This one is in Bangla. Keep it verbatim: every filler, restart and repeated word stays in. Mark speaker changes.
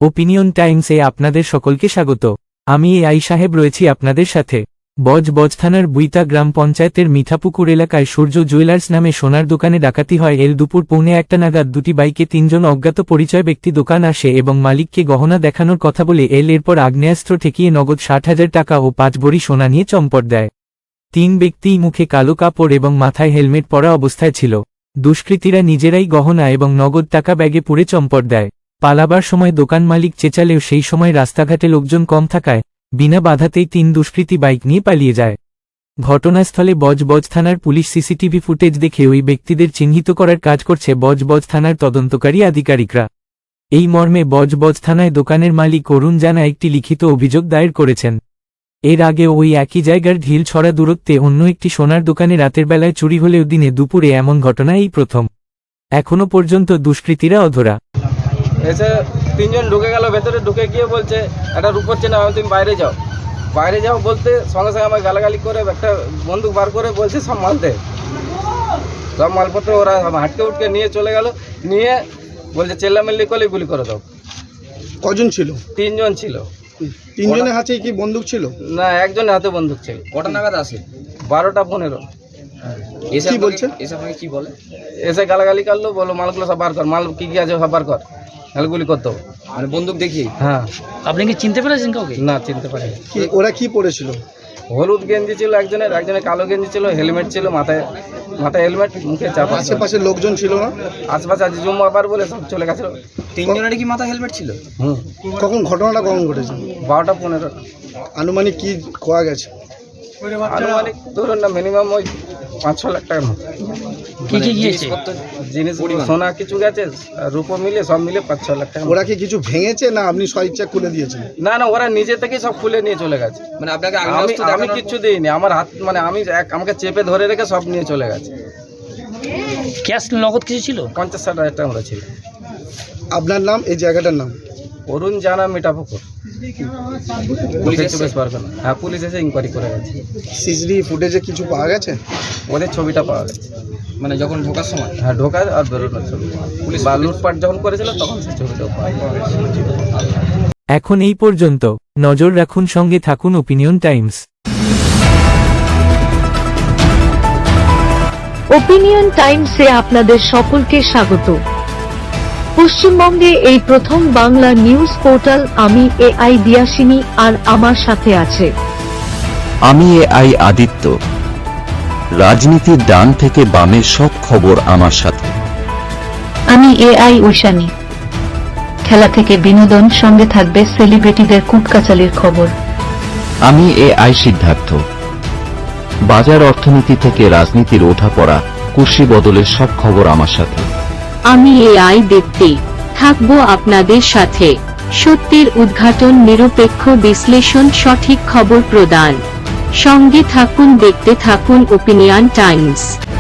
Speaker 1: ওপিনিয়ন টাইমসে আপনাদের সকলকে স্বাগত। আমি এ আই সাহেব রয়েছি আপনাদের সাথে। বজবজ থানার বুইতা গ্রাম পঞ্চায়েতের মিঠাপুকুর এলাকায় সূর্য জুয়েলার্স নামে সোনার দোকানে ডাকাতি হয়। এল দুপুর পৌনে একটা নাগাদ দুটি বাইকে তিনজন অজ্ঞাত পরিচয় ব্যক্তি দোকান আসে এবং মালিককে গহনা দেখানোর কথা বলে এল এরপর আগ্নেয়াস্ত্র ঠেকিয়ে নগদ ষাট হাজার টাকা ও পাঁচ ভরি সোনা নিয়ে চম্পট দেয়। তিন ব্যক্তিই মুখে কালো কাপড় এবং মাথায় হেলমেট পরা অবস্থায় ছিল। দুষ্কৃতীরা নিজেরাই গহনা এবং নগদ টাকা ব্যাগে পুরে চম্পট দেয়। পালাবার সময় দোকান মালিক চেঁচালেও সেই সময় রাস্তাঘাটে লোকজন কম থাকায় বিনা বাধাতেই তিন দুষ্কৃতী বাইক নিয়ে পালিয়ে যায়। ঘটনাস্থলে বজবজ থানার পুলিশ সিসিটিভি ফুটেজ দেখে ওই ব্যক্তিদের চিহ্নিত করার কাজ করছে বজবজ থানার তদন্তকারী আধিকারিকরা। এই মর্মে বজবজ থানায় দোকানের মালিক অরুণ জানা একটি লিখিত অভিযোগ দায়ের করেছেন। এর আগে ওই একই জায়গার ঢিল ছড়া দূরত্বে অন্য একটি সোনার দোকানে রাতের বেলায় চুরি হলেও দিনে দুপুরে এমন ঘটনা এই প্রথম। এখনো পর্যন্ত দুষ্কৃতীরা অধরা।
Speaker 2: এসে তিনজন ঢুকে গেল ভেতরে, ঢুকে গিয়ে বলছে একটা রূপর চেনা, তুমি বাইরে যাও বাইরে যাও বলতে সঙ্গে সঙ্গে আমার গালাগালি করে একটা বন্দুক বার করে বলছে সব মালতে সব মালপত্র ওরা হাটকে উঠকে নিয়ে চলে গেল। নিয়ে বলছে চেল্লামেল্লি করলে গুলি করে দাও।
Speaker 3: কজন ছিল?
Speaker 2: তিনজন ছিল।
Speaker 3: তিনজনের হাতে কি বন্দুক ছিল?
Speaker 2: না, একজনের হাতে বন্দুক ছিল।
Speaker 4: কটা নাগাদ আসে?
Speaker 2: বারোটা পনেরো।
Speaker 4: এসে
Speaker 3: কি বলছে?
Speaker 4: এসে আপনাকে কি বলে?
Speaker 2: এসে গালাগালি করলো, বলো মালগুলো সব বার কর, মাল কি কি আছে সব বার কর, নাহলে গুলি করতে হবে।
Speaker 4: মানে বন্দুক দেখি?
Speaker 2: হ্যাঁ।
Speaker 4: আপনি কি চিনতে পেরেছেন কাউকে?
Speaker 2: না, চিনতে পারিনি।
Speaker 3: কি ওরা কি পরেছিল?
Speaker 2: হলুদ গেঞ্জি ছিল একজনের, একজনের কালো গেঞ্জি ছিল, হেলমেট ছিল, মাথায় মাথায় হেলমেট, মুখে চাপা।
Speaker 3: আশেপাশে লোকজন ছিল না?
Speaker 2: আশেপাশে আছে জুম আবার বলে সব চলে গেছিল।
Speaker 4: তিনজনেরই কি মাথা হেলমেট ছিল?
Speaker 2: হুম।
Speaker 3: কখন ঘটনাটা কখন ঘটেছে?
Speaker 2: বারোটা পনেরো।
Speaker 3: আনুমানিক কি খোয়া গেছে?
Speaker 2: আনুমানিক ধরুন না, মিনিমাম ওই পাঁচ ছ লাখ টাকার মতো।
Speaker 4: কি কি গিয়েছে?
Speaker 2: জিনিস সোনা কিছু গেছে, রূপো মিলে সব মিলে পাঁচ ছ লাখ টাকা।
Speaker 3: ওরা কি কিছু ভেঙেছে না আপনি স্বইচ্ছা খুলে দিয়েছেন?
Speaker 2: না না, ওরা নিজে থেকেই সব খুলে নিয়ে চলে গেছে।
Speaker 4: মানে আপনাকে
Speaker 2: আমি আমি কিচ্ছু দিইনি, আমার হাত মানে আমি এক আমাকে চেপে ধরে রেখে সব নিয়ে চলে গেছে।
Speaker 4: ক্যাশ নগদ কিছু ছিল?
Speaker 2: পঞ্চাশ ষাট হাজার টাকা আমরা ছিল।
Speaker 3: আপনার নাম, এই জায়গাটার নাম?
Speaker 2: অরুণ জানা, মিঠাপুকুর। পুলিশ চব্বিশ পরগনা। হ্যাঁ, পুলিশ এসে ইনকোয়ারি করে গেছে।
Speaker 3: সিসিটিভি ফুটেজে কিছু পাওয়া গেছে?
Speaker 2: ওদের ছবিটা পাওয়া গেছে।
Speaker 4: মানে যখন ঢোকার সময়?
Speaker 2: হ্যাঁ, ঢোকার আর বেরোনোর ছবি। পুলিশ বা লুটপাট যখন করেছিল তখন সেই ছবিটাও পাওয়া গেছে।
Speaker 1: এখন এই পর্যন্ত। নজর রাখুন, সঙ্গে থাকুন ওপিনিয়ন টাইমস।
Speaker 5: ওপিনিয়ন টাইমসে আপনাদের সকলকে স্বাগত। পশ্চিমবঙ্গে এই প্রথম বাংলা নিউজ পোর্টাল। আমি এ আই দিয়াসিনী, আর আমার সাথে আছে
Speaker 6: আমি এ আই আদিত্য। রাজনীতির ডান থেকে বামের সব খবর আমার সাথে।
Speaker 7: আমি এ আই ঐশানী। খেলা থেকে বিনোদন, সঙ্গে থাকবে সেলিব্রিটিদের কুটকাচালির খবর।
Speaker 6: আমি এ আই সিদ্ধার্থ। বাজার অর্থনীতি থেকে রাজনীতির ওঠাপড়া, কুর্সি বদলের সব খবর আমার সাথে।
Speaker 7: আমি এ আই দীপ্তি, থাকবো আপনাদের সাথে। সত্যের উদ্ঘাটন, নিরপেক্ষ বিশ্লেষণ, সঠিক খবর প্রদান। সঙ্গে থাকুন, দেখতে থাকুন ওপিনিয়ন টাইমস।